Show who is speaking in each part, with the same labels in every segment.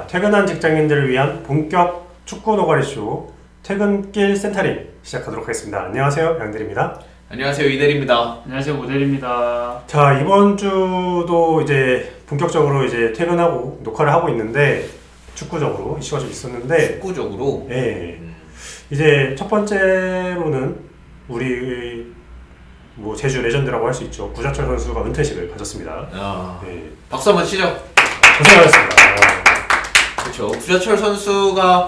Speaker 1: 퇴근한 직장인들을 위한 본격 축구 노가리쇼 퇴근길 센터링 시작하도록 하겠습니다. 안녕하세요, 양들입니다.
Speaker 2: 안녕하세요, 이대리입니다.
Speaker 3: 안녕하세요, 모델입니다.
Speaker 1: 자, 이번 주도 이제 본격적으로 이제 퇴근하고 녹화를 하고 있는데 축구적으로 이슈가 좀 있었는데
Speaker 2: 축구적으로?
Speaker 1: 네. 이제 첫 번째로는 우리 뭐 제주 레전드라고 할 수 있죠. 구자철 선수가 은퇴식을 가졌습니다. 네.
Speaker 2: 박수 한번 치죠.
Speaker 1: 고생하셨습니다.
Speaker 2: 그렇죠. 구자철 선수가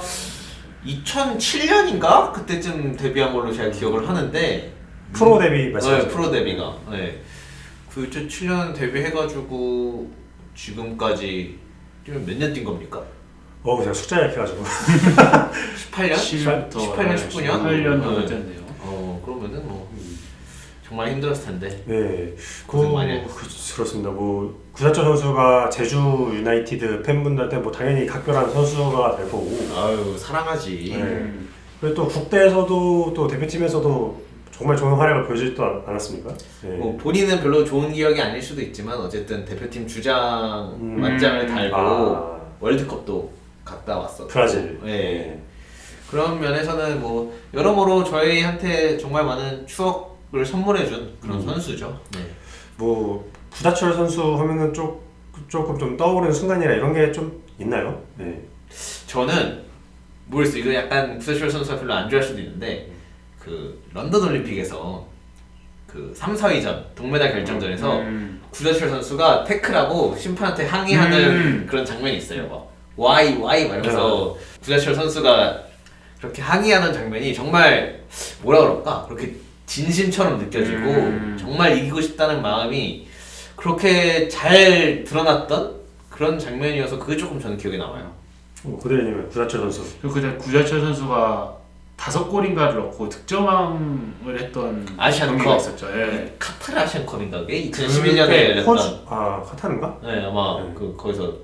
Speaker 2: 2007년인가 그때쯤 데뷔한 걸로 제가 기억을 하는데
Speaker 1: 프로 데뷔 말씀하시죠?
Speaker 2: 네, 프로 데뷔가. 네. 2007년 데뷔해가지고 지금까지 몇 년 뛴 겁니까?
Speaker 1: 제가 숫자 약해가지고
Speaker 2: 18년? 18년, 19년?
Speaker 3: 18년 정도 됐네요.
Speaker 2: 그러면은 뭐 정말 힘들었을 텐데.
Speaker 1: 네,
Speaker 2: 고생 많이 하셨어요.
Speaker 1: 그렇습니다. 뭐 구자철 선수가 제주 유나이티드 팬분들한테 뭐 당연히 각별한 선수가 될 거고.
Speaker 2: 아유, 사랑하지.
Speaker 1: 네. 그리고 또 국대에서도 또 대표팀에서도 정말 좋은 활약을 보여주지도 않았습니까? 네.
Speaker 2: 뭐 본인은 별로 좋은 기억이 아닐 수도 있지만 어쨌든 대표팀 주장 만장을 달고 월드컵도 갔다 왔었고.
Speaker 1: 브라질.
Speaker 2: 네. 그런 면에서는 뭐 여러모로 저희한테 정말 많은 추억을 선물해준 그런 선수죠. 네.
Speaker 1: 뭐 구자철 선수 하면은 조금 좀 떠오르는 순간이나 이런 게 좀 있나요? 네.
Speaker 2: 저는 모르겠어요. 이거 약간 구자철 선수가 별로 안 좋아할 수도 있는데 그 런던 올림픽에서 그 3, 4위전 동메달 결정전에서 구자철 선수가 태클하고 심판한테 항의하는 그런 장면이 있어요. 막 why 이러면서 구자철 선수가 그렇게 항의하는 장면이 정말 뭐라 그럴까? 그렇게 진심처럼 느껴지고 정말 이기고 싶다는 마음이 그렇게 잘 드러났던 그런 장면이어서 그게 조금 저는 기억에 남아요.
Speaker 1: 고대리님은 구자철 선수.
Speaker 3: 그리고 그때 구자철 선수가 5골인가를 넣고 득점왕을 했던
Speaker 2: 아시안컵.
Speaker 3: 경기가 있었죠. 예.
Speaker 2: 카타르 아시안컵인가 그게 2011년에 열렸던.
Speaker 1: 카타르인가?
Speaker 2: 네, 아마
Speaker 1: 네.
Speaker 2: 거기서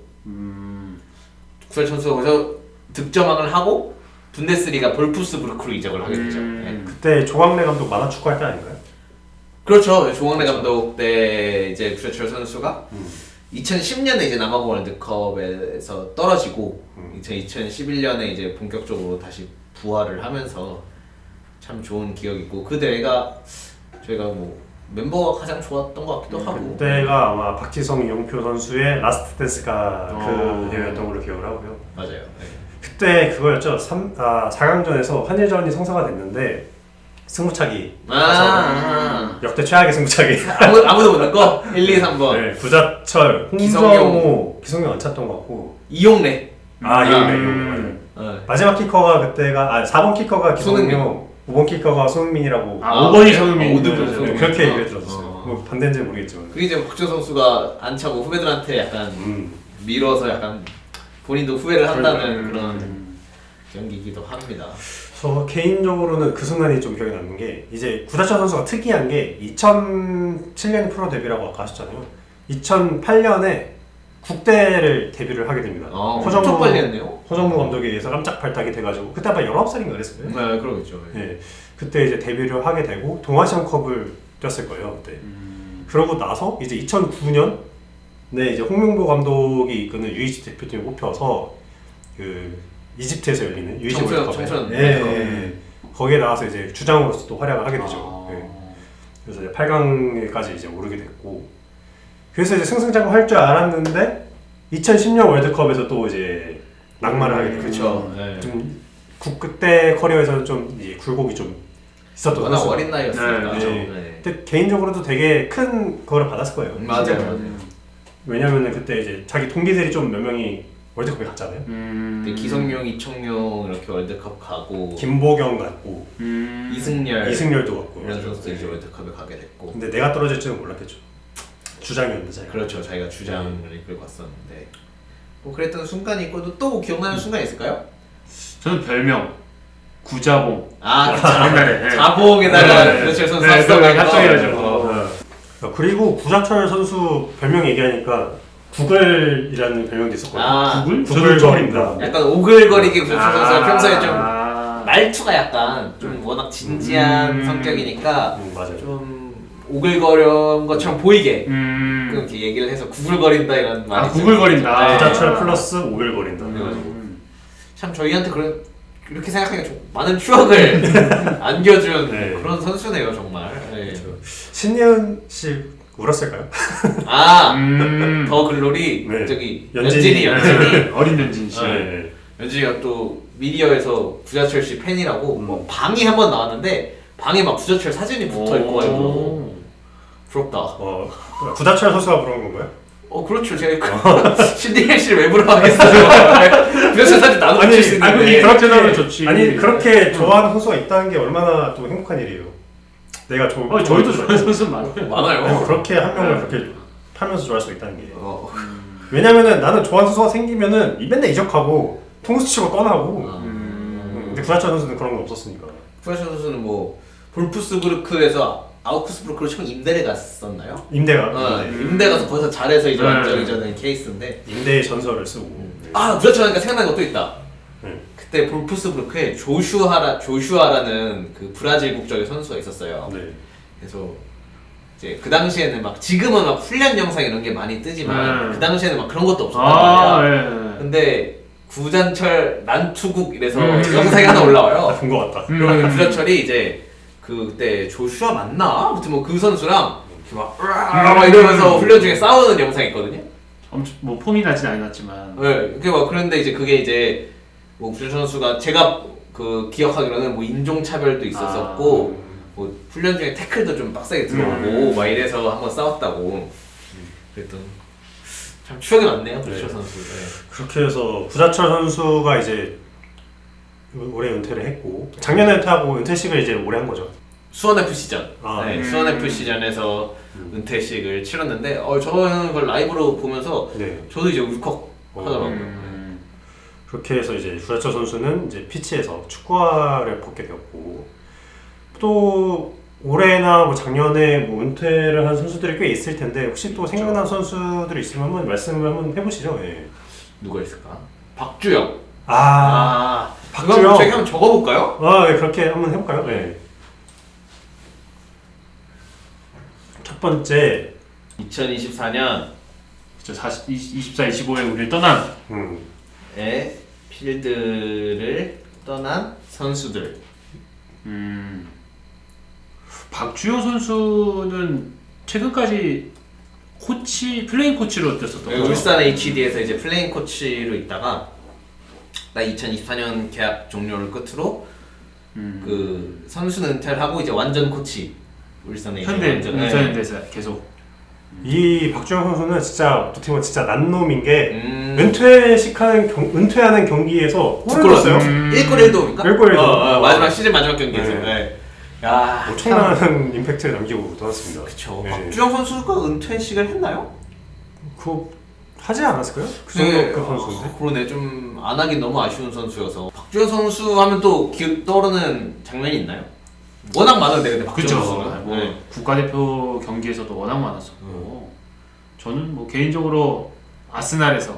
Speaker 2: 구자철 선수가 거기서 득점왕을 하고 분데스리가 볼프스부르크로 이적을 하게 되죠. 네.
Speaker 1: 그때 조광래 감독 만화 축구할 때 아닌가요?
Speaker 2: 그렇죠. 조광래 감독 때 이제 구자철 선수가 2010년에 이제 남아공 월드컵에서 떨어지고 2011년에 이제 본격적으로 다시 부활을 하면서 참 좋은 기억이고 그 대회가 저희가 뭐 멤버가 가장 좋았던 것 같기도 하고.
Speaker 1: 그때가 아마 박지성, 이용표 선수의 라스트 댄스가 그 대회였던 걸로 기억을 하고요.
Speaker 2: 맞아요. 네.
Speaker 1: 그때 그거였죠. 4강전에서 한일전이 성사가 됐는데 승부차기 역대 최악의 승부차기.
Speaker 2: 아무도 못 넣고 1, 2, 3번.
Speaker 1: 네, 구자철, 홍정호, 기성용 안 찼던 것 같고.
Speaker 2: 이용래.
Speaker 1: 이용래. 마지막 키커가 그때가 4번 키커가 기성용, 5번 키커가 손흥민이라고.
Speaker 3: 5번이 손흥민.
Speaker 1: 그렇게 얘기를 들었어요. 뭐 반대인지 모르겠지만.
Speaker 2: 그게 이제 박지성 선수가 안 차고 후배들한테 약간 밀어서 약간 본인도 후회를 한다는 그런 경기이기도 합니다.
Speaker 1: 저 개인적으로는 그 순간이 좀 기억에 남는 게 이제 구자철 선수가 특이한 게 2007년 프로 데뷔라고 아까 하셨잖아요. 2008년에 국대를 데뷔를 하게 됩니다.
Speaker 2: 엄청 빨리 했네요.
Speaker 1: 허정무 감독에 의해서 깜짝 발탁이 돼가지고 그때 아마 19살인가 그랬어요.
Speaker 2: 네, 그러겠죠.
Speaker 1: 네, 그때 이제 데뷔를 하게 되고 동아시안컵을 뛰었을 거예요 그때. 그러고 나서 이제 2009년에 이제 홍명보 감독이 이끄는 U20 대표팀에 뽑혀서 그 이집트에서 열리는 U20 월드컵에 거기에 나와서 이제 주장으로서 또 활약을 하게 되죠. 그래서 이제 8강까지 이제 오르게 됐고, 그래서 이제 승승장구 할 줄 알았는데 2010년 월드컵에서 또 이제 낙마를 하게 되고,
Speaker 2: 그렇죠.
Speaker 1: 좀 그때 커리어에서는 좀 이제 굴곡이 좀 있었던
Speaker 2: 워낙
Speaker 1: 선수가.
Speaker 2: 어린 나이였으니까.
Speaker 1: 근데 개인적으로도 되게 큰 그거를 받았을 거예요.
Speaker 2: 맞아요.
Speaker 1: 왜냐면은 그때 이제 자기 동기들이 좀 몇 명이 월드컵에 갔잖아요.
Speaker 2: 기성용, 이청용 이렇게 월드컵 가고
Speaker 1: 김보경 갔고
Speaker 2: 이승열도
Speaker 1: 갔고
Speaker 2: 이런 선수들 이제 월드컵에 가게 됐고.
Speaker 1: 근데 내가 떨어질 줄은 몰랐겠죠. 주장이었는데 자기가.
Speaker 2: 그렇죠. 자기가 주장을 이끌고 왔었는데 뭐 그랬던 순간이 있고 또 기억나는 순간이 있을까요?
Speaker 3: 저는 별명 구자봉.
Speaker 2: 자봉에다가 구자철 선수
Speaker 3: 합성해가지고.
Speaker 1: 그리고 구자철 선수 별명 얘기하니까 구글이라는 별명도 있었거든요. 구글거린다.
Speaker 2: 약간 오글거리게 구자철 선수가 평소에 좀 말투가 약간 좀 워낙 진지한 성격이니까
Speaker 1: 맞아요.
Speaker 2: 좀 오글거린 것처럼 보이게 그렇게 얘기를 해서 구글거린다 이런 말이
Speaker 3: 아 구글거린다.
Speaker 1: 구자철 플러스 오글거린다.
Speaker 2: 그래가지고 참 저희한테 그렇게 생각하니까 좀 많은 추억을 안겨준
Speaker 1: 네.
Speaker 2: 그런 선수네요 정말. 네.
Speaker 1: 신예은 씨 울었을까요?
Speaker 2: 더 글로리
Speaker 1: 네.
Speaker 2: 저기
Speaker 1: 연진이.
Speaker 2: 연진이
Speaker 3: 어린 연진 씨.
Speaker 1: 네.
Speaker 2: 연진이가 또 미디어에서 구자철 씨 팬이라고 뭐 방이 한번 나왔는데 방에 막 구자철 사진이 붙어 있고 해서 부럽다.
Speaker 1: 구자철 선수가 부른 건가요?
Speaker 2: 그렇죠. 제가 신디엘 씨를 왜 부러워하겠어요? 구자철 사진 나눠 붙일 수 있는데.
Speaker 3: 그렇게 하면 좋지.
Speaker 1: 아니 그렇게 좋아하는 선수가 있다는 게 얼마나 또 행복한 일이에요. 내가
Speaker 3: 저희도 좋아하는 선수 많아요.
Speaker 2: 많아요.
Speaker 1: 그렇게 한 명을 그렇게 팔면서 좋아할 수 있다는 게. 왜냐면은 나는 좋아하는 선수가 생기면은 맨날 이적하고 통수 치고 떠나고. 근데 구자철 선수는 그런 건 없었으니까.
Speaker 2: 구자철 선수는 뭐 볼프스부르크에서 아우크스부르크로 처음 임대를 갔었나요?
Speaker 1: 임대가.
Speaker 2: 임대 가서 거기서 잘해서 이제
Speaker 3: 네.
Speaker 2: 완전히 저는 케이스인데.
Speaker 1: 임대의 전설을 쓰고.
Speaker 2: 구자철 하니까 생각나는 것도 있다.
Speaker 1: 네.
Speaker 2: 그때 볼프스부르크에 조슈아라는 그 브라질 국적의 선수가 있었어요.
Speaker 1: 네.
Speaker 2: 그래서 이제 그 당시에는 막 지금은 막 훈련 영상 이런 게 많이 뜨지만 그 당시에는 막 그런 것도 없었단 말이야. 근데 구자철 난투국 이래서 영상이 하나 올라와요.
Speaker 1: 본 것 같다.
Speaker 2: 그러면 구자철이 이제 그때 조슈아 맞나? 아무튼 뭐 그 선수랑 이렇게 막 으아 막 이러면서 훈련 중에 싸우는 영상이 있거든요.
Speaker 3: 엄청 뭐 폼이 나진 않았지만.
Speaker 2: 네, 이렇게 막 그런데 이제 그게 이제 뭐 구자철 선수가 제가 그 기억하기로는 뭐 인종 차별도 있었었고 뭐 훈련 중에 태클도 좀 빡세게 들어오고 막 이래서 한번 싸웠다고. 그랬던 참 추억이 많네요, 구자철 선수. 네.
Speaker 1: 그렇게 해서 구자철 선수가 이제 올해 은퇴를 했고 작년에 은퇴하고 은퇴식을 이제 올해 한 거죠.
Speaker 2: 수원 FC전.
Speaker 1: 네.
Speaker 2: 수원 FC전에서 은퇴식을 치렀는데 저는 그걸 라이브로 보면서
Speaker 1: 네.
Speaker 2: 저도 이제 울컥 하더라고요.
Speaker 1: 그렇게 해서 이제 구자철 선수는 이제 피치에서 축구화를 벗게 되었고 또 올해나 뭐 작년에 뭐 은퇴를 한 선수들이 꽤 있을 텐데 혹시 또 생각나는 선수들이 있으면 한번 말씀을 한번 해보시죠. 예.
Speaker 2: 누가 있을까? 박주영.
Speaker 1: 박주영.
Speaker 2: 저희 한번 적어볼까요?
Speaker 1: 네, 그렇게 한번 해볼까요? 네. 첫 번째
Speaker 2: 2024년
Speaker 3: 24, 25에 우리를 떠난
Speaker 2: 필드를 떠난 선수들.
Speaker 3: 박주영 선수는 최근까지 플레잉 코치로 뛰었었던 거죠.
Speaker 2: 울산 HD에서 이제 플레잉 코치로 있다가 2024년 계약 종료를 끝으로 그 선수 은퇴를 하고 이제 완전 코치 울산 HD
Speaker 3: 현대에서 계속.
Speaker 1: 이 박주영 선수는 진짜 어떻게 보면 진짜 난놈인 게 은퇴하는 경기에서 골을 넣었어요.
Speaker 2: 1골 1도입니까?
Speaker 1: 1골 1도.
Speaker 2: 마지막 시즌 마지막 경기에서.
Speaker 1: 네.
Speaker 2: 야,
Speaker 1: 엄청난 임팩트를 남기고 떠났습니다.
Speaker 2: 그쵸.
Speaker 1: 네.
Speaker 2: 박주영 선수가 은퇴식을 했나요?
Speaker 1: 그거 하지 않았을까요? 그 정도급 선수인데.
Speaker 2: 그러네. 좀 안 하긴 너무 아쉬운 선수여서. 박주영 선수 하면 또 떠오르는 장면이 있나요? 워낙 많은데 근데 박주영 선수는.
Speaker 3: 뭐 국가대표 경기에서도 워낙 많았었고 저는 뭐 개인적으로 아스날에서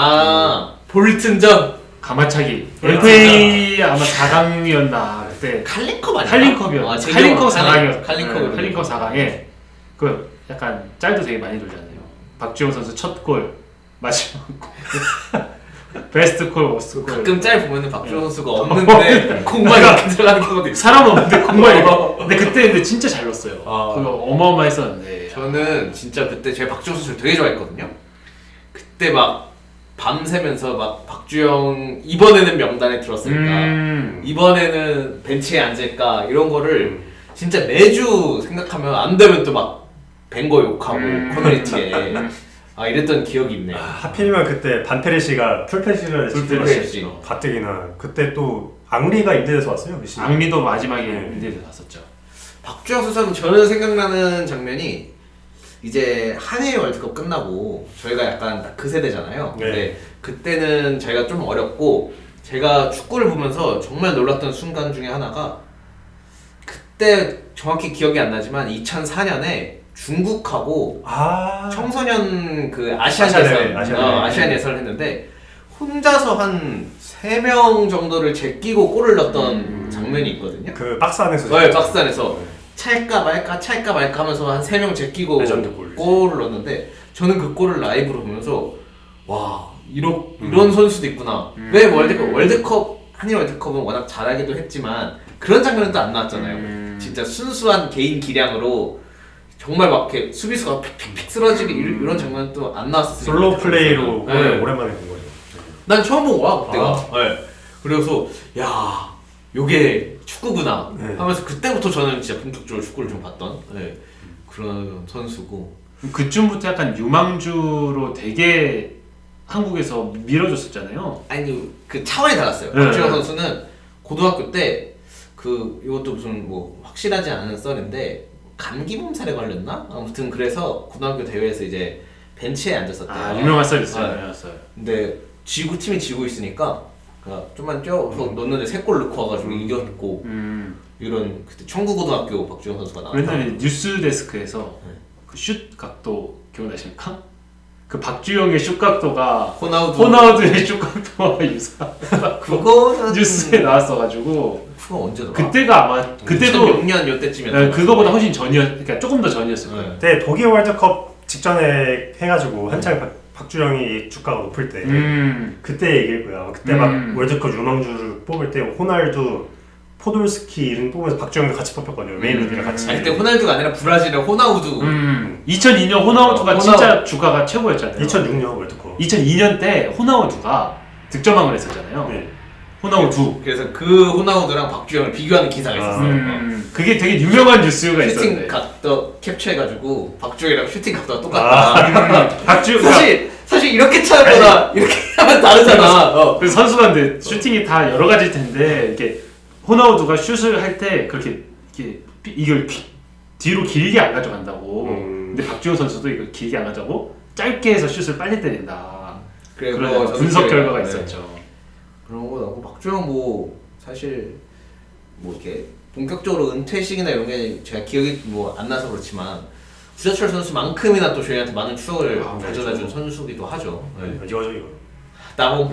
Speaker 2: 볼튼전
Speaker 3: 가마차기 FA 아마 4강이었나 그때
Speaker 2: 칼링컵 아니야?
Speaker 3: 칼링컵이었어. 칼링컵 4강이었어.
Speaker 2: 칼링컵
Speaker 3: 4강에 그 약간 짤도 되게 많이 돌잖아요. 박주영 선수 첫 골 마지막 골 베스트 골 워스트 골.
Speaker 2: 가끔 짤 보면은 박주영 선수가 없는데 공만 이렇게 들어가는 경우도 있어.
Speaker 3: 사람 없는데 공만 이렇게. 근데 그때 진짜 잘 넣었어요. 그거 어마어마했었는데.
Speaker 2: 저는 진짜 그때 제가 박주영 선수를 되게 좋아했거든요. 그때 막 밤새면서 막 박주영 이번에는 명단에 들었을까, 이번에는 벤치에 앉을까 이런 거를 진짜 매주 생각하면 안 되면 또 막 뱅거 욕하고 커뮤니티에 이랬던 기억이 있네요.
Speaker 1: 하필이면 그때 반페르시가 풀펜시를
Speaker 2: 풀펜시
Speaker 1: 가뜩이나 그때 또 앙리가 임대돼서 왔어요. 메시.
Speaker 3: 앙리도 마지막에 임대돼서 왔었죠.
Speaker 2: 박주영 선수는 저는 생각나는 장면이 이제 한일 월드컵 끝나고 저희가 약간 딱 그 세대잖아요.
Speaker 1: 네.
Speaker 2: 근데 그때는 저희가 좀 어렸고 제가 축구를 보면서 정말 놀랐던 순간 중에 하나가 그때 정확히 기억이 안 나지만 2004년에 중국하고 청소년 그 아시안 예선을 했는데 혼자서 한 3명 정도를 제끼고 골을 넣었던 장면이 있거든요.
Speaker 1: 그 박스 안에서.
Speaker 2: 네, 박스 안에서 찰까 말까 하면서 한 3명 제끼고
Speaker 1: 레전드 골.
Speaker 2: 골을 넣었는데 저는 그 골을 라이브로 보면서 와 이런 선수도 있구나. 왜 월드컵 한일 월드컵은 워낙 잘하기도 했지만 그런 장면은 또 안 나왔잖아요. 진짜 순수한 개인 기량으로 정말 막 이렇게 수비수가 픽픽픽 쓰러지고 이런 장면은 또 안 나왔었어요.
Speaker 1: 솔로 플레이로
Speaker 2: 네.
Speaker 1: 오랜만에 본 거죠.
Speaker 2: 난 처음 본 거야 그때가. 네. 그래서 야 요게 축구구나
Speaker 1: 네.
Speaker 2: 하면서 그때부터 저는 진짜 본격적으로 축구를 좀 봤던 그런 선수고.
Speaker 3: 그쯤부터 약간 유망주로 되게 한국에서 밀어줬었잖아요.
Speaker 2: 아니 그 차원이 달랐어요.
Speaker 3: 네.
Speaker 2: 박주영 선수는 고등학교 때 그 이것도 무슨 뭐 확실하지 않은 썰인데 감기 몸살에 걸렸나? 아무튼 그래서 고등학교 대회에서 이제 벤치에 앉았었대요.
Speaker 3: 아 유명한 썰 있어요.
Speaker 2: 네.
Speaker 3: 유명한 썰.
Speaker 2: 근데 팀이 지고 있으니까 그러니까 좀만 쪄서 넣는데 3골 넣고 와가지고 이겼고 이런 그때 청구고등학교 박주영 선수가 나왔다.
Speaker 3: 옛날에 뉴스 데스크에서
Speaker 2: 네.
Speaker 3: 그 슛 각도 기억나십니까? 그 박주영의 슛 각도가
Speaker 2: 호나우두의
Speaker 3: 슛 각도와 유사.
Speaker 2: 그거는
Speaker 3: 뉴스에 나왔어가지고
Speaker 2: 그거 언제더라?
Speaker 3: 그때가 아마 그때도
Speaker 2: 2006년 요때쯤이었던
Speaker 3: 그거보다 훨씬 그러니까 조금 더 전이었을 거예요.
Speaker 1: 그때 독일 월드컵 직전에 해가지고 한창 박주영이 주가가 높을 때 그때 얘기일 거야. 그때 막 월드컵 유망주를 뽑을 때 호날두, 포돌스키 이름 뽑으면서 박주영도 같이 뽑혔거든요. 메인 리드랑 같이.
Speaker 2: 아니 그때 호날두가 아니라 브라질의 호나우두.
Speaker 3: 2002년 호나우두가 진짜 주가가 최고였잖아요.
Speaker 1: 2006년 월드컵.
Speaker 3: 2002년 때 호나우두가 득점왕을 했었잖아요.
Speaker 1: 네.
Speaker 3: 호나우두.
Speaker 2: 그래서 그 호나우두랑 박주영을 비교하는 기사가 있었어요.
Speaker 3: 그게 되게 유명한 뉴스가
Speaker 2: 슈팅
Speaker 3: 있었는데.
Speaker 2: 각도 캡처해가지고 박주영이랑 슈팅 각도가 똑같다.
Speaker 3: 박주영
Speaker 2: 사실 이렇게 차보다 이렇게 하면 다르잖아.
Speaker 3: 그 선수한테 슈팅이 다 여러 가지일 텐데 이게 호나우두가 슛을 할 때 그렇게 이걸 뒤로 길게 안 가져간다고. 근데 박주영 선수도 이걸 길게 안 가져가고 짧게 해서 슛을 빨리 때린다. 그런 분석 결과가 있었죠.
Speaker 2: 그런 거 나고 박주영 뭐 사실 뭐 이렇게 본격적으로 은퇴식이나 이런 게 제가 기억이 뭐 안 나서 그렇지만 구자철 선수만큼이나 또 저희한테 많은 추억을 가져다준 선수기도 하죠. 네.
Speaker 1: 이거죠 이거.
Speaker 2: 나봉.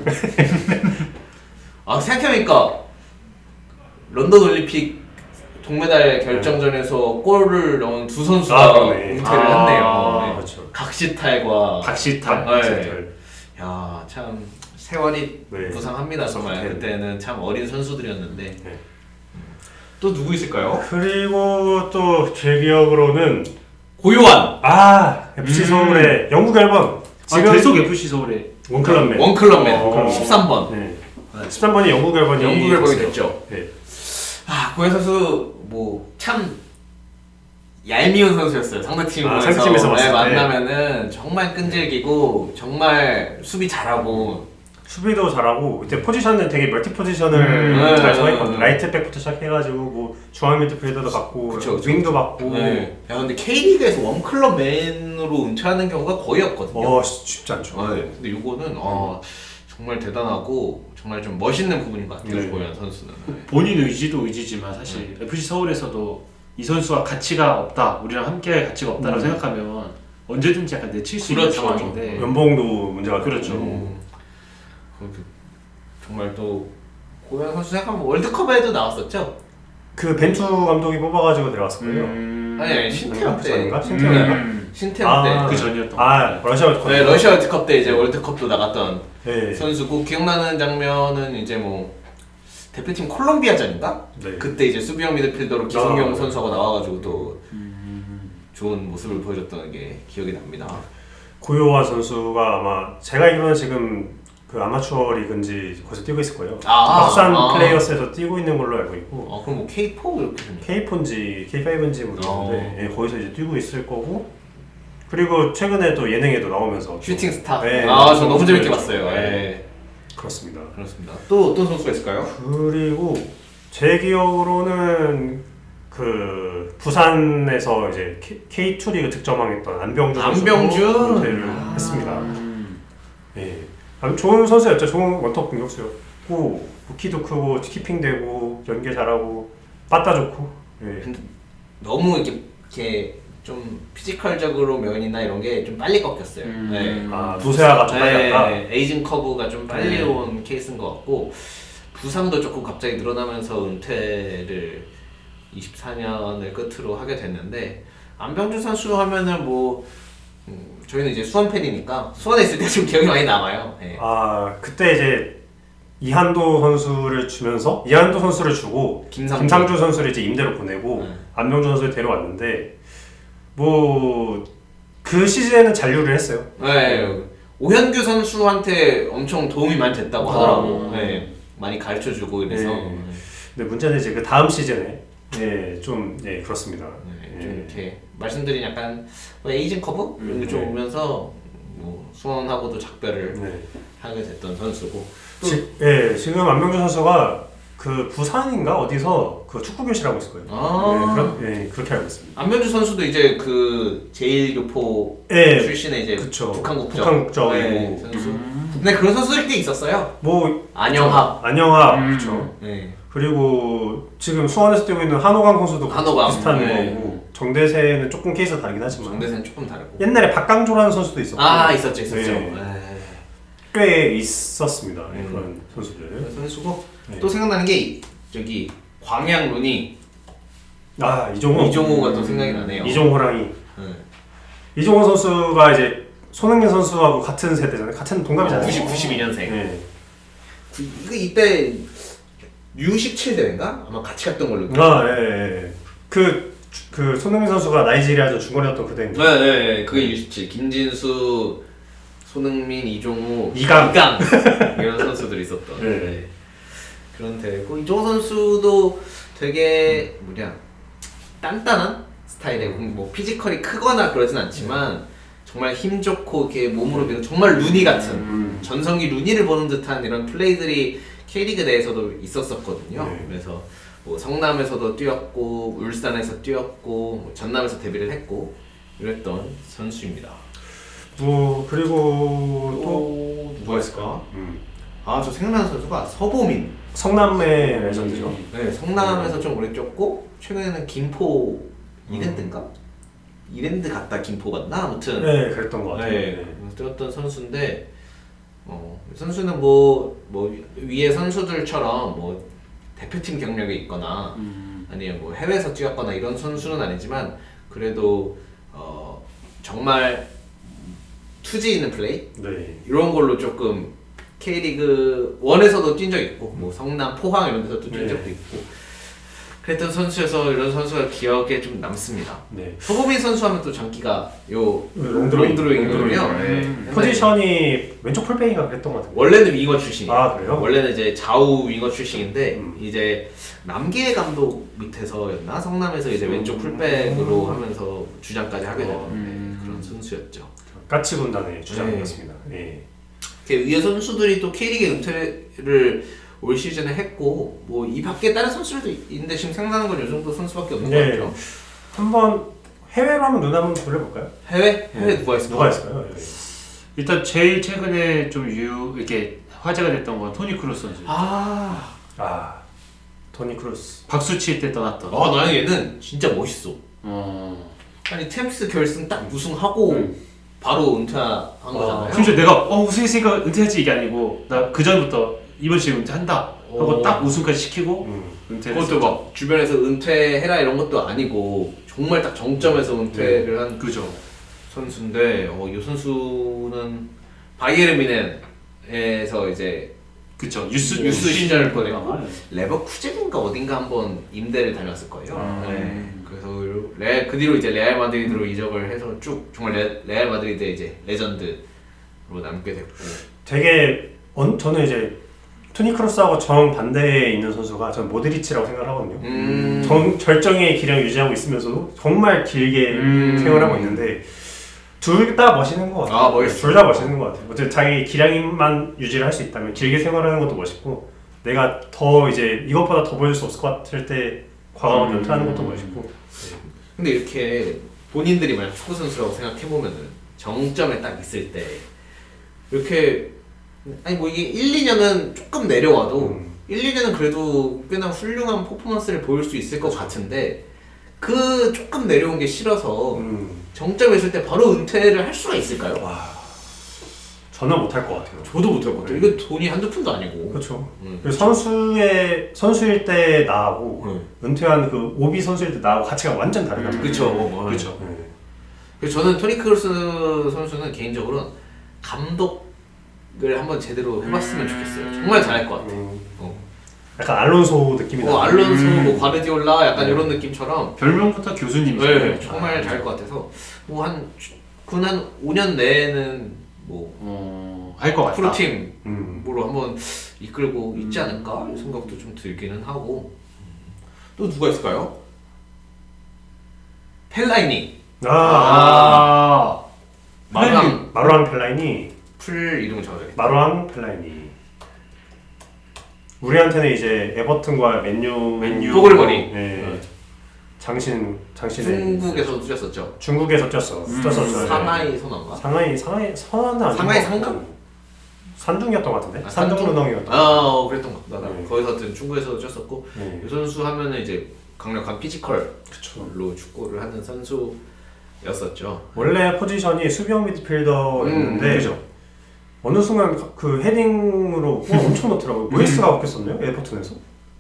Speaker 2: 아 생각해보니까 런던 올림픽 동메달 결정전에서 골을 넣은 두 선수가 은퇴를 했네요. 네.
Speaker 1: 그렇죠.
Speaker 2: 각시탈과
Speaker 3: 박시탈.
Speaker 2: 네. 야, 참 세월이 부상합니다 정말. 그때는 참 어린 선수들이었는데.
Speaker 1: 네.
Speaker 2: 또 누구 있을까요?
Speaker 1: 그리고 또 제 기억으로는
Speaker 2: 고요한.
Speaker 1: FC 서울의 영국 앨범.
Speaker 3: 지금 계속 FC 서울의
Speaker 1: 원클럽맨.
Speaker 2: 13번.
Speaker 1: 네. 13번이 영국 앨범이
Speaker 2: 됐죠.
Speaker 1: 네.
Speaker 2: 고현 선수 뭐 참 얄미운 선수였어요.
Speaker 1: 상대팀에서
Speaker 2: 만나면은 정말 끈질기고 정말 수비 잘하고
Speaker 1: 수비도 잘하고 그때 포지션은 되게 멀티 포지션을 잘 정했거든요. 라이트백부터 시작해가지고 뭐 중앙 미드필더도 받고 윙도 받고.
Speaker 2: 네. 야 근데 K리그에서 원클럽맨으로 은퇴하는 경우가 거의 없거든요.
Speaker 1: 쉽지 않죠.
Speaker 2: 근데 이거는 정말 대단하고 정말 좀 멋있는 부분인 것 같아요. 고현 선수는.
Speaker 3: 본인 의지도 의지지만 사실 FC 서울에서도 이 선수가 가치가 없다, 우리랑 함께 가치가 없다라고 생각하면 언제든지 약간 내칠 수 있는 상황인데
Speaker 1: 연봉도 문제가
Speaker 3: 그렇죠.
Speaker 2: 정말 또 고현 선수 생각하면 월드컵에도 나왔었죠?
Speaker 1: 그 벤투 감독이 뽑아가지고 내려왔었거든요.
Speaker 2: 아니 신태영 때인가?
Speaker 3: 신태영
Speaker 2: 때
Speaker 3: 그 전이었던
Speaker 1: 러시아 월드컵.
Speaker 2: 네, 러시아 월드컵 때 이제 월드컵도 나갔던
Speaker 1: 네.
Speaker 2: 선수고 기억나는 장면은 이제 뭐 대표팀 콜롬비아전인가?
Speaker 1: 네.
Speaker 2: 그때 이제 수비형 미드필더로 기성용 선수가 나와가지고 또 좋은 모습을 보여줬던 게 기억이 납니다.
Speaker 1: 고요한 선수가 아마 제가 알기로는 지금 그 아마추어 리그인지 거기서 뛰고 있을 거예요. 박산 플레이어스에서 뛰고 있는 걸로 알고 있고.
Speaker 2: 그럼 뭐 K4 이렇게
Speaker 1: K4인지 K5인지 모르겠는데 거기서 이제 뛰고 있을 거고. 그리고 최근에 또 예능에도 나오면서
Speaker 2: 슈팅 스타.
Speaker 1: 네,
Speaker 2: 저 너무 재밌게 봤어요. 네.
Speaker 1: 그렇습니다.
Speaker 2: 또 어떤 선수가 있을까요?
Speaker 1: 그리고 제 기억으로는 그 부산에서 이제 K2 리그 득점왕했던 안병준 은퇴를 했습니다. 네. 좋은 선수였죠. 좋은 원톱 공격수였고 키도 크고 키핑되고 연계 잘하고 빠따 좋고. 네.
Speaker 2: 근데 너무 이렇게 좀 피지컬적으로 면이나 이런 게 좀 빨리 꺾였어요.
Speaker 1: 노세아가 좀 빨리 갔다.
Speaker 2: 에이징 커브가 좀 빨리 온 케이스인 것 같고 부상도 조금 갑자기 늘어나면서 은퇴를 24년을 끝으로 하게 됐는데 안병준 선수 하면은 뭐 저희는 이제 수원 팬이니까 수원에 있을 때 좀 기억이 많이 남아요. 네.
Speaker 1: 아 그때 이제 이한도 선수를 주면서 이한도 선수를 주고 김상주 선수를 이제 임대로 보내고 안병준 선수를 데려왔는데 뭐 그 시즌에는 잔류를 했어요.
Speaker 2: 네. 오현규 선수한테 엄청 도움이 많이 됐다고 하더라고. 네. 많이 가르쳐주고 이래서.
Speaker 1: 네. 근데 문제는 이제 그 다음 시즌에 좀 그렇습니다.
Speaker 2: 좀 이렇게 말씀드린 약간 뭐 에이징 커브 이런 게 좀 오면서 뭐 수원하고도 작별을 하게 됐던 선수고.
Speaker 1: 지금 안병준 선수가 그 부산인가 어디서 그 축구 교실하고 있을 거예요. 그렇게 알고 있습니다.
Speaker 2: 안병준 선수도 이제 그 제1교포 출신의 이제
Speaker 1: 그쵸.
Speaker 2: 북한 국적
Speaker 1: 선수.
Speaker 2: 근데 그런 선수들이 꽤 있었어요.
Speaker 1: 뭐
Speaker 2: 안영합.
Speaker 1: 그렇죠.
Speaker 2: 네.
Speaker 1: 그리고 지금 수원에서 뛰고 있는 한호강 선수도
Speaker 2: 한호강.
Speaker 1: 비슷한 거고 정대세는 조금 케이스가 다르긴 하지만
Speaker 2: 정대세는 조금 다르고.
Speaker 1: 옛날에 박강조라는 선수도 있었고
Speaker 2: 있었죠.
Speaker 1: 꽤 있었습니다. 그런 선수들.
Speaker 2: 그런 선수고 또 생각나는 게 저기 광양 루니. 이종호가 또 생각이 나네요.
Speaker 1: 이종호랑이. 이종호 선수가 이제 손흥민 선수하고 같은 세대잖아요. 같은 동갑이잖아요.
Speaker 2: 92년생. 이때 U17 대회인가? 아마 같이 갔던 걸로.
Speaker 1: 그 손흥민 선수가 나이지리아전 중거리였던 그 대회인데.
Speaker 2: 네. 그게 U17. 김진수, 손흥민, 이종호,
Speaker 1: 이강
Speaker 2: 이런 선수들이 있었던. 그런 대회고 이종호 선수도 되게 단단한 스타일의 뭐 피지컬이 크거나 그러진 않지만 정말 힘 좋고 이렇게 몸으로 밀고 정말 루니 같은 전성기 루니를 보는 듯한 이런 플레이들이 K리그 내에서도 있었었거든요. 그래서 뭐 성남에서도 뛰었고 울산에서 뛰었고 뭐 전남에서 데뷔를 했고 이랬던 선수입니다.
Speaker 1: 뭐 그리고 또
Speaker 2: 누가 있을까? 저 생각나는 선수가 서보민.
Speaker 1: 성남의 레전드죠.
Speaker 2: 네, 성남에서 좀 오래 뛰었고 최근에는 김포 이랜드인가? 이랜드 갔다 김포 갔나? 아무튼
Speaker 1: 그랬던 것 같아요.
Speaker 2: 뛰었던 선수인데 이 선수는 뭐 위에 선수들처럼 뭐 대표팀 경력이 있거나 아니면 뭐 해외에서 뛰었거나 이런 선수는 아니지만 그래도 정말 투지 있는 플레이 이런 걸로 조금 K리그 1에서도 뛴 적 있고 뭐 성남, 포항 이런 데서도 뛴 적도 있고 그랬던 선수여서 이런 선수가 기억에 좀 남습니다. 서보민 선수 하면 또 장기가 롱드로잉이거든요.
Speaker 1: 포지션이 왼쪽 풀백인가 그랬던 것 같은데.
Speaker 2: 원래는 윙어 출신이에요.
Speaker 1: 그래요?
Speaker 2: 원래는 이제 좌우 윙어 출신인데 이제 남기의 감독 밑에서였나 성남에서 이제 왼쪽 풀백으로 하면서 주장까지 하게 되는 그런 선수였죠.
Speaker 1: 까치 군단의 주장이었습니다.
Speaker 2: 위에 선수들이 또 K리그 은퇴를 올 시즌에 했고 뭐 이 밖에 다른 선수들도 있는데 지금 생각나는 건 이 정도 선수밖에 없는 것 같아요.
Speaker 1: 한번 해외로 한번 눈 한번 돌려볼까요?
Speaker 2: 해외 누가 있을까요?
Speaker 3: 일단 제일 최근에 좀 이렇게 화제가 됐던 건 토니 크루스 선수.
Speaker 1: 토니 크루스.
Speaker 3: 박수 칠 때 떠났던.
Speaker 2: 나는 얘는 진짜 멋있어. 아니 템스 결승 딱 우승하고 바로 은퇴한 거잖아요.
Speaker 3: 그래서 내가 우승했으니까 은퇴하지 이게 아니고 나 그 전부터 이번 시즌 은퇴한다 하고 딱 우승까지 시키고 은퇴를
Speaker 2: 그것도 막 주변에서 은퇴해라 이런 것도 아니고 정말 딱 정점에서 은퇴를 한 선수인데 이 선수는 바이에른 뮤넨에서 이제 유스 시절을 보냈고 레버쿠젠인가 어딘가 한번 임대를 다녔을 거예요. 그래서 그 뒤로 이제 레알 마드리드로 이적을 해서 쭉 정말 레알 마드리드의 이제 레전드로 남게 됐고
Speaker 1: 되게 저는 이제 토니 크루스하고 정반대에 있는 선수가 저는 모드리치라고 생각을 하거든요. 절정의 기량을 유지하고 있으면서도 정말 길게 생활하고 있는데 둘 다 멋있는 것 같아요. 둘 다 멋있는 것 같아요. 어쨌든 자기 기량만 유지를 할 수 있다면 길게 생활하는 것도 멋있고 내가 더 이제 이것보다 더 보여줄 수 없을 것 같을 때 과감하게 은퇴하는 것도 멋있고.
Speaker 2: 근데 이렇게 본인들이 만약 축구 선수라고 생각해보면은 정점에 딱 있을 때 이렇게 뭐 이게 1, 2년은 조금 내려와도 1, 2년은 그래도 꽤나 훌륭한 퍼포먼스를 보일 수 있을 것 같은데 그 조금 내려온 게 싫어서 정점에 있을 때 바로 은퇴를 할 수가 있을까요?
Speaker 1: 저는 못할 것 같아요.
Speaker 2: 저도 못할 것 같아요. 이거 돈이 한두 푼도 아니고.
Speaker 1: 그렇죠. 그리고 선수일 때 나하고 은퇴한 그 오비 선수일 때 나하고 가치가 완전 다르거든요.
Speaker 2: 그렇죠.
Speaker 3: 그렇죠.
Speaker 2: 그래서 저는 토니 크루스 선수는 개인적으로 감독을 한번 제대로 해봤으면 좋겠어요. 정말 잘할 것 같아요.
Speaker 1: 약간 알론소 느낌이 나요.
Speaker 2: 알론소, 뭐 과르디올라 약간 이런 느낌처럼
Speaker 3: 별명부터 교수님이죠.
Speaker 2: 네, 정말 잘할 것 같아서 뭐 한 5년 내에는 뭐
Speaker 3: 할 것 같다.
Speaker 2: 프로팀으로 한번 이끌고 있지 않을까 생각도 좀 들기는 하고. 또 누가 있을까요? 펠라이니.
Speaker 1: 마루안 펠라이니.
Speaker 2: 풀 이름을 적어야겠다.
Speaker 1: 마루안 펠라이니. 우리한테는 이제 에버튼과 맨유
Speaker 2: 뽀글머리.
Speaker 1: 네. 장신의
Speaker 2: 중국에서 뛰었었죠.
Speaker 1: 중국에서 뛰었었죠.
Speaker 2: 상하이 선언가?
Speaker 1: 상하이 선언은 아니고
Speaker 2: 상하이 상금?
Speaker 1: 산둥이었던 것 같은데?
Speaker 2: 아,
Speaker 1: 산둥루덩이었던
Speaker 2: 그랬던 것 같다.
Speaker 1: 네.
Speaker 2: 거기서 하여튼 중국에서 뛰었었고 이 선수 하면은 이제 강력한 피지컬로 축구를 하는 선수였었죠.
Speaker 1: 원래 포지션이 수비형 미드필더였는데
Speaker 3: 그죠.
Speaker 1: 어느 순간 그 헤딩으로 엄청 넣더라고요. 모이스가 바뀌었었네요, 에버튼에서.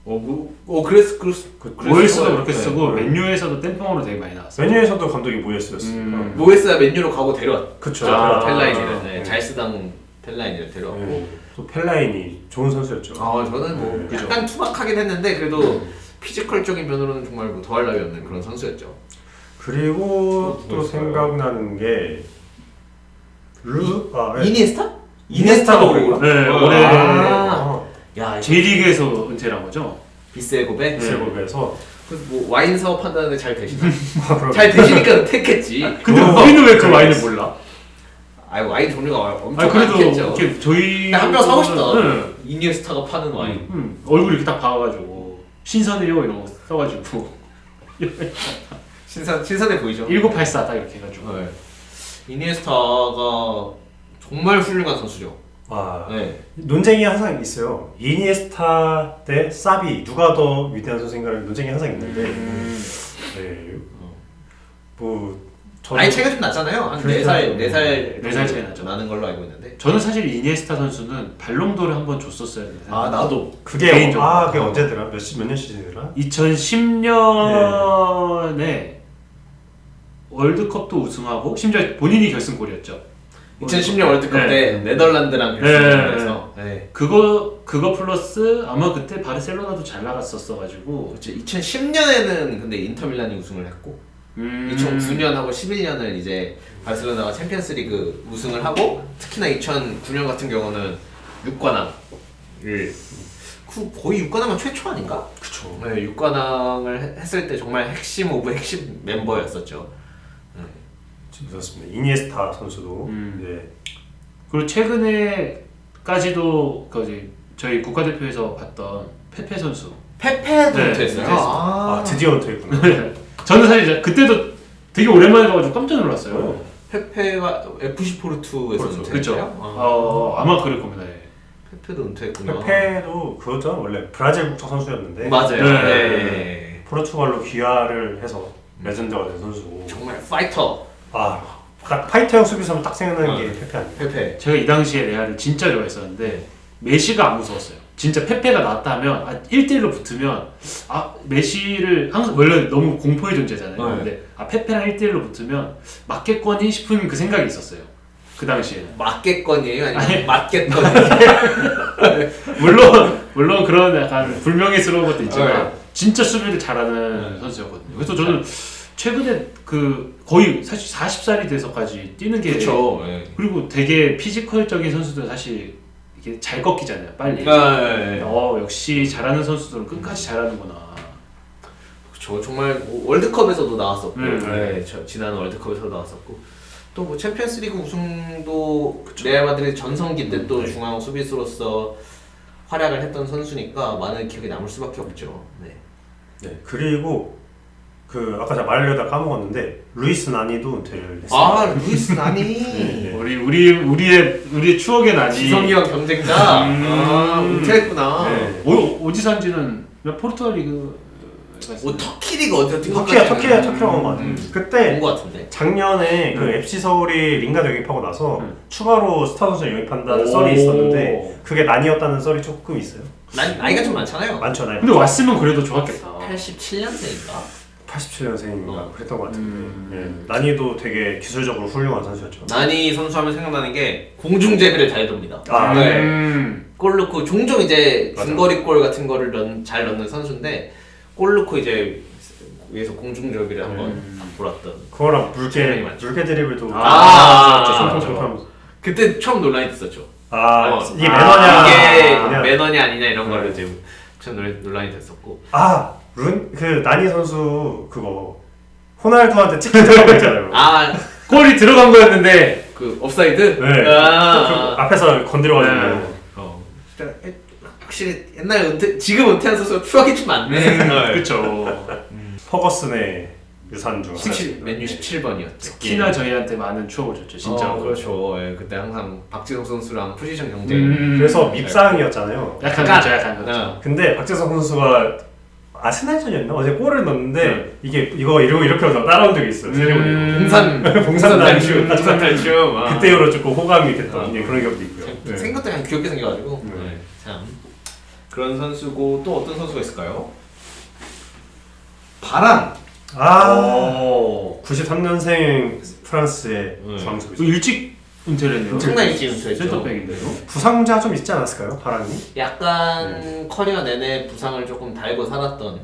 Speaker 3: 모이스도 그렇게 쓰고 맨유에서도 땜빵으로 되게 많이 나왔어요.
Speaker 1: 맨유에서도 감독이 모이스였으니까.
Speaker 2: 모이스가 맨유로 가고 데려왔.
Speaker 1: 그쵸.
Speaker 2: 펠라인이를 잘 쓰던 펠라인이를 데려왔고.
Speaker 1: 또 펠라인이 좋은 선수였죠.
Speaker 2: 저는 뭐 약간 투박하긴 했는데 그래도 피지컬적인 면으로는 정말 뭐 더할 나위 없는 그런 선수였죠.
Speaker 1: 그리고 또 생각나는 게
Speaker 2: 이니에스타도 그랬구나.
Speaker 3: 네, 올해
Speaker 2: 야,
Speaker 3: J리그에서 은퇴한 거죠.
Speaker 2: 비세고베.
Speaker 1: 비세고베에서
Speaker 2: 그래서 뭐 와인 사업 한다는데 잘 되시나? 잘 되시니까 은퇴했겠지.
Speaker 3: 근데 우리는 왜 그 와인을 몰라?
Speaker 2: 와인 종류가 엄청
Speaker 3: 그래도
Speaker 2: 많겠죠.
Speaker 3: 이렇게 저희
Speaker 2: 한 병 사고 싶다.
Speaker 3: 네.
Speaker 2: 이니에스타가 파는 와인.
Speaker 3: 얼굴 이렇게 딱 박아가지고 신선해요 이런 거 써가지고
Speaker 2: 신선해 보이죠?
Speaker 3: 1984 딱 이렇게 해가지고.
Speaker 2: 네. 이니에스타가 정말 훌륭한 선수죠. 네.
Speaker 1: 논쟁이 항상 있어요. 이니에스타 대 사비 누가 더 위대한 선수인가를 논쟁이 항상 있는데 뭐
Speaker 2: 나이 차이가 좀 나잖아요. 한 4살
Speaker 3: 차이 나죠.
Speaker 2: 나는 걸로 알고 있는데.
Speaker 3: 저는 사실 이니에스타 선수는 발롱도를 한번 줬었어야 되는데.
Speaker 2: 나도.
Speaker 1: 그게
Speaker 3: 개인적으로.
Speaker 1: 그게 언제더라? 몇 년 시즌이더라?
Speaker 3: 2010년에 월드컵도 우승하고 심지어 본인이 결승골이었죠.
Speaker 2: 2010년 월드컵 때 네덜란드랑 결승전에서
Speaker 3: 그거 플러스 아마 그때 바르셀로나도 잘 나갔었어가지고.
Speaker 2: 그렇죠. 2010년에는 근데 인터밀란이 우승을 했고 2009년하고 11년을 이제 바르셀로나가 챔피언스리그 우승을 하고 특히나 2009년 같은 경우는 6관왕을 거의 6관왕은 최초 아닌가?
Speaker 1: 그쵸.
Speaker 2: 네, 6관왕을 했을 때 정말 핵심 오브 핵심 멤버였었죠.
Speaker 1: 그렇습니다. 이니에스타 선수도
Speaker 3: 그리고 최근에까지도 저희 국가대표에서 봤던 페페 선수.
Speaker 2: 페페도 은퇴했어요.
Speaker 1: 드디어 은퇴했구나.
Speaker 3: 저는 사실 그때도 되게 오랜만에 봐가지고 깜짝 놀랐어요.
Speaker 2: 페페가 FC 포르투에서 은퇴했어요.
Speaker 3: 그렇죠. 아마 그럴 겁니다.
Speaker 2: 페페도 은퇴했구나.
Speaker 1: 페페도 그거죠. 원래 브라질 국적 선수였는데
Speaker 2: 맞아요. 네.
Speaker 1: 포르투갈로 귀화를 해서 레전드가 된 선수고.
Speaker 2: 정말 파이터.
Speaker 1: 딱 파이터형 수비수면 딱 생각나는 게 페페 아니에요?
Speaker 2: 페페.
Speaker 3: 제가 이 당시에 레알을 진짜 좋아했었는데 메시가 안 무서웠어요. 진짜 페페가 나왔다 하면 1대1로 붙으면 메시를 항상 원래 너무 공포의 존재잖아요. 근데 페페랑 1대1로 붙으면 맞겠거니 싶은 그 생각이 있었어요. 그 당시에는.
Speaker 2: 맞겠거니에요? 아니면 맞겠거니?
Speaker 3: 물론 그런 약간 불명예스러운 것도 있지만 진짜 수비를 잘하는 선수였거든요. 그래서 저는 최근에 거의 사실 40살이 돼서까지 뛰는 게
Speaker 2: 그렇죠.
Speaker 3: 그리고 되게 피지컬적인 선수들은 사실 이게 잘 꺾이잖아요, 빨리. 역시 잘하는 선수들은 끝까지 잘하는구나.
Speaker 2: 그렇죠. 정말 월드컵에서도 나왔었고, 지난 월드컵에서도 나왔었고, 또 뭐 챔피언스리그 우승도 레알 마드리드 전성기 때 또 중앙 수비수로서 활약을 했던 선수니까 많은 기억에 남을 수밖에 없죠.
Speaker 1: 그리고 아까 제가 말하려다 까먹었는데 루이스 나니도 은퇴를 했어요.
Speaker 2: 루이스 나니.
Speaker 3: 우리의 추억의 나니.
Speaker 2: 지성이와 경쟁자. 은퇴했구나.
Speaker 3: 어디 산지는 포르투갈 리그
Speaker 2: 뭐 터키 리그 어디서 뛴
Speaker 1: 터키라고 한 것 같아요. 그때
Speaker 2: 본것 같은데.
Speaker 1: 작년에 그 FC 서울이 링가드 영입하고 나서 추가로 스타 선수 영입한다는 썰이 있었는데 그게 난이었다는 썰이 조금 있어요.
Speaker 2: 나이가 좀 많잖아요.
Speaker 1: 많죠, 나이.
Speaker 3: 근데 왔으면 그래도 좋았겠다.
Speaker 2: 87년생인가?
Speaker 1: 87년생인가 그랬던 것 같은데 예. 난이도 되게 기술적으로 훌륭한 선수였죠.
Speaker 2: 나니 선수 하면 생각나는 게 공중제비를 잘 돕니다.
Speaker 1: 아,
Speaker 2: 네. 골 넣고 종종 이제
Speaker 1: 맞아.
Speaker 2: 중거리 골 같은 거를 잘 넣는 선수인데 골 넣고 이제 위에서 공중제비를 한번 돌았던.
Speaker 1: 그거랑
Speaker 2: 장면이 많죠.
Speaker 1: 물개 드리블도
Speaker 2: 아,
Speaker 1: 손톱
Speaker 2: 그때 처음 논란이 됐었죠.
Speaker 1: 이게 매너냐
Speaker 2: 이게
Speaker 1: 아니냐.
Speaker 2: 매너냐 아니냐 이런 거를 이제 처음 논란이 됐었고.
Speaker 1: 그 나니 선수 그거 호날두한테 찍힌 거 있잖아요.
Speaker 3: 골이 들어간 거였는데
Speaker 2: 그 옵사이드?
Speaker 1: 네. 그 앞에서 건드려가지고.
Speaker 2: 진짜 확실히 옛날 지금 은퇴한 선수가 추억이 좀 많네.
Speaker 3: 그쵸.
Speaker 1: 퍼거슨의 유산 중 하나씩.
Speaker 2: 맨유 17번이었죠.
Speaker 3: 특히나 저희한테 많은 추억을 줬죠 진짜.
Speaker 2: 그렇죠. 예, 그때 항상 박지성 선수랑 포지션 경쟁.
Speaker 1: 그래서 밉상이었잖아요.
Speaker 3: 약간 그렇죠, 약간 그렇죠.
Speaker 1: 근데 박재성 선수가 아스날전이었나? 어제 골을 넣었는데 이거 이러고 이렇게 하면서 따라온 적이 있어요. 봉산
Speaker 2: 탈춤. 봉산 탈춤.
Speaker 1: 그때 이후로 조금 호감이 됐던 그런 기억도 있고요.
Speaker 2: 생각도 그냥 귀엽게 생겨가지고 참 그런 선수고 또 어떤 선수가 있을까요? 바란.
Speaker 1: 93년생 프랑스의 중앙수비수.
Speaker 3: 일찍 은퇴를 했네요.
Speaker 2: 엄청나게 일찍 은퇴했죠.
Speaker 3: 센터백인데요.
Speaker 1: 부상자 좀 있지 않았을까요, 바란이?
Speaker 2: 약간 커리어 내내 부상을 조금 달고 살았던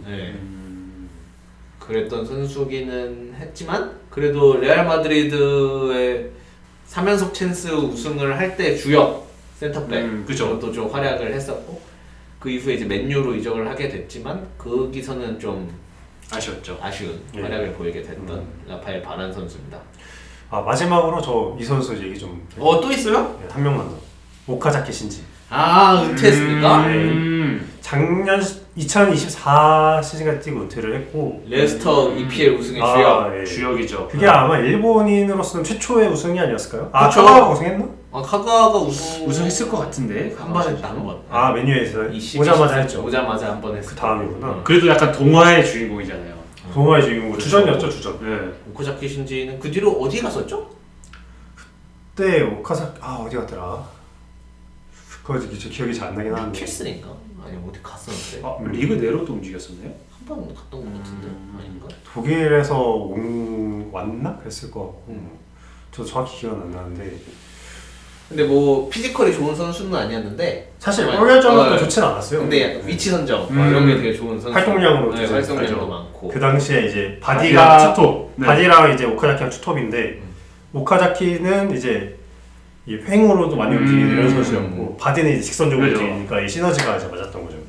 Speaker 2: 그랬던 선수기는 했지만 그래도 레알 마드리드의 3연속 찬스 우승을 할 때 주역 센터백
Speaker 3: 그죠.
Speaker 2: 또 좀 활약을 했었고 그 이후에 이제 맨유로 이적을 하게 됐지만 거기서는 좀
Speaker 3: 아쉬웠죠.
Speaker 2: 아쉬운 활약을 보이게 됐던 라파엘 바란 선수입니다.
Speaker 1: 마지막으로 저 이 선수 얘기 좀.
Speaker 2: 또 있어요?
Speaker 1: 한 명만 더. 오카자키 신지.
Speaker 2: 은퇴했습니까?
Speaker 1: 작년 2024 시즌까지 뛰고 은퇴를 했고
Speaker 2: 레스터 EPL 우승의 주역.
Speaker 1: 예.
Speaker 3: 주역이죠.
Speaker 1: 그게 아마 일본인으로서는 최초의 우승이 아니었을까요?
Speaker 2: 그쵸.
Speaker 1: 카가와가 우승했나?
Speaker 2: 카가와가
Speaker 3: 우승했을 것 같은데
Speaker 2: 한 번 했다 한 번.
Speaker 1: 맨유에서 오자마자 했죠.
Speaker 2: 오자마자 한 번 했어.
Speaker 1: 그 다음이구나.
Speaker 3: 그래도 약간 동화의 주인공이잖아요.
Speaker 1: 동화의 주인공 주전이었죠, 주전.
Speaker 2: 오카자키 신지는 그 뒤로 어디 갔었죠?
Speaker 1: 그때 오카자키 어디 갔더라? 그거 기억이 잘 안 나긴 하는데.
Speaker 2: 킬슨인가? 아니 어디 갔었는데.
Speaker 3: 리그 내로도 움직였었나요?
Speaker 2: 한 번 갔던 것 같은데 아닌가?
Speaker 1: 독일에서 왔나? 그랬을 것 같고. 저도 정확히 기억은 안 나는데.
Speaker 2: 근데 뭐 피지컬이 좋은 선수는 아니었는데
Speaker 1: 사실 골 결정력도 좋진 않았어요.
Speaker 2: 근데 위치 선정 이런 게 되게 좋은 선수.
Speaker 1: 활동량으로
Speaker 2: 활동량도 많고.
Speaker 1: 그 당시에 이제 바디랑
Speaker 3: 투톱.
Speaker 1: 바디랑 이제 오카자키랑 투톱인데 오카자키는 이제 이 횡으로도 많이 움직이는 이런 선수였고 바디는 이제 직선적으로 움직이니까 이 시너지가 이제 맞았던 거죠.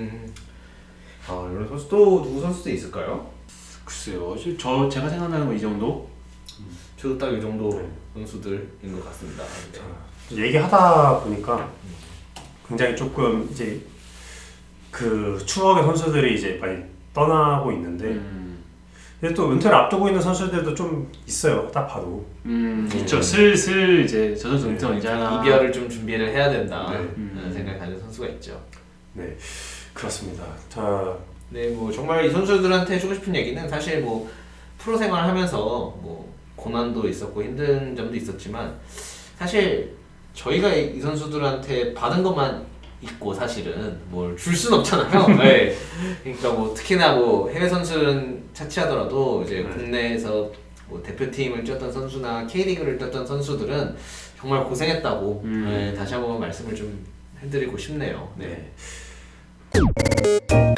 Speaker 2: 이런 선수 또 누구 선수도 있을까요?
Speaker 3: 글쎄요. 제가 생각나는 건 이 정도.
Speaker 2: 저도 딱 이 정도 선수들인 것 같습니다.
Speaker 1: 얘기하다 보니까 굉장히 조금 이제 그 추억의 선수들이 이제 많이 떠나고 있는데 근데 또 은퇴를 앞두고 있는 선수들도 좀 있어요. 딱 봐도.
Speaker 3: 있죠. 슬슬 이제 저 선수 은퇴 언제 하나.
Speaker 2: 이별을 좀 준비를 해야 된다는 생각을 가진 선수가 있죠.
Speaker 1: 네, 그렇습니다. 자,
Speaker 2: 네, 뭐 정말 이 선수들한테 해주고 싶은 얘기는 사실 뭐 프로 생활하면서 뭐 고난도 있었고 힘든 점도 있었지만 사실 저희가 이 선수들한테 받은 것만 있고 사실은 뭘 줄 순 없잖아요. 네. 그러니까 뭐 특히나 뭐 해외 선수는 차치하더라도 이제 국내에서 뭐 대표팀을 뛰었던 선수나 K리그를 뛰었던 선수들은 정말 고생했다고 다시 한번 말씀을 좀 해드리고 싶네요. 네.